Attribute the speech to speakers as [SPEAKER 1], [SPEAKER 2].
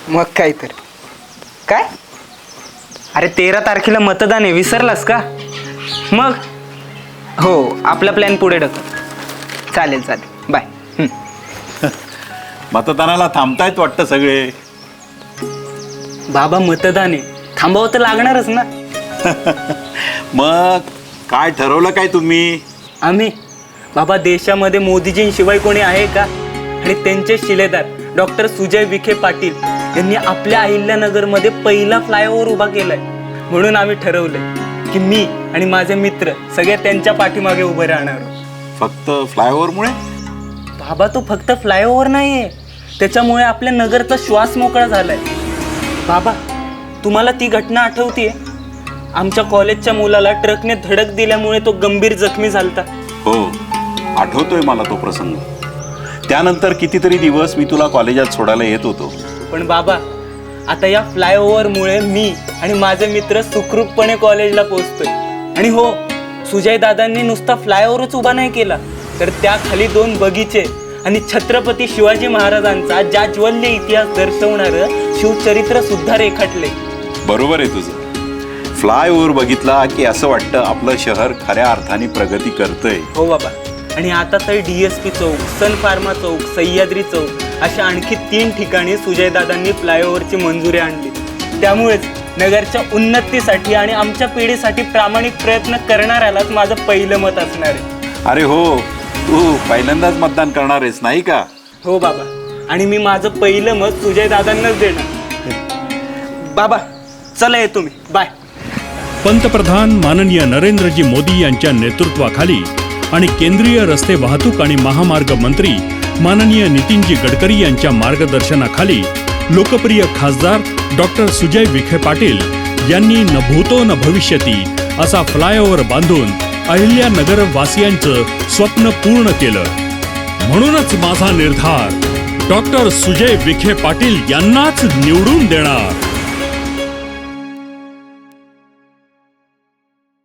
[SPEAKER 1] मग काय तर काय? अरे 13 तारखेला मतदान आहे, विसरलास का? मग हो, आपला प्लॅन पुढे ढकल. चालेल चालेल, बाय.
[SPEAKER 2] मतदानाला थांबतायत वाटतं सगळे.
[SPEAKER 1] बाबा मतदान आहे, थांबावं तर लागणारच ना.
[SPEAKER 2] मग काय ठरवलं काय तुम्ही?
[SPEAKER 1] आम्ही बाबा देशामध्ये मोदीजींशिवाय कोणी आहे का? आणि त्यांचे शिलेदार डॉक्टर सुजय विखे पाटील यांनी आपल्या अहिल्यानगरमध्ये पहिला फ्लायओव्हर उभा केलाय. म्हणून आम्ही ठरवलंय की मी आणि माझे मित्र सगळे त्यांच्या पाठीमागे उभे राहणार.
[SPEAKER 2] फक्त फ्लायओव्हरमुळे?
[SPEAKER 1] बाबा तो फक्त फ्लायओव्हर नाहीये, त्याच्यामुळे आपल्या नगरचा श्वास मोकळा झालाय. बाबा तुम्हाला ती घटना आठवतीये? आमच्या कॉलेजच्या मुलाला ट्रकने धडक दिल्यामुळे तो गंभीर जखमी झालता.
[SPEAKER 2] हो, आठवतोय मला तो प्रसंग. त्यानंतर कितीतरी दिवस मी तुला कॉलेजात सोडायला येत होतो.
[SPEAKER 1] पण बाबा आता या फ्लायओव्हरमुळे मी आणि माझे मित्र सुखरूपपणे कॉलेजला पोहोचतोय. आणि हो, सुजय दादांनी नुसता फ्लायओव्हरच उभा नाही केला, तर त्याखाली 2 बगीचे आणि छत्रपती शिवाजी महाराजांचा जाज्वल्य इतिहास दर्शवणारं शिवचरित्र सुद्धा रेखाटले.
[SPEAKER 2] बरोबर आहे तुझं. फ्लायओव्हर बघितला की असं वाटतं आपलं शहर खऱ्या अर्थाने प्रगती करतंय.
[SPEAKER 1] हो बाबा, आणि आता तर DSP चौक, सन फार्मा चौक, सह्याद्री चौक अशा आणखी 3 ठिकाणी सुजयदादांनी फ्लायओव्हरची मंजुरी आणली. त्यामुळेच नगरच्या उन्नतीसाठी आणि आमच्या पिढीसाठी प्रामाणिक प्रयत्न करणाऱ्यालाच माझं पहिलं मत असणार आहे.
[SPEAKER 2] अरे हो, तू पहिल्यांदाच मतदान करणार आहेस नाही का?
[SPEAKER 1] हो बाबा, आणि मी माझं पहिलं मत सुजयदादांनाच देणार. बाबा चला येतो मी, बाय.
[SPEAKER 3] पंतप्रधान माननीय नरेंद्रजी मोदी यांच्या नेतृत्वाखाली आणि केंद्रीय रस्ते वाहतूक आणि महामार्ग मंत्री माननीय नितीनजी गडकरी यांच्या मार्गदर्शनाखाली लोकप्रिय खासदार डॉक्टर सुजय विखे पाटील यांनी न भूतो न भविष्यती असा फ्लायओव्हर बांधून अहिल्यानगर वासियांचं स्वप्न पूर्ण केलं. म्हणूनच माझा निर्धार डॉक्टर सुजय विखे पाटील यांनाच निवडून देणार.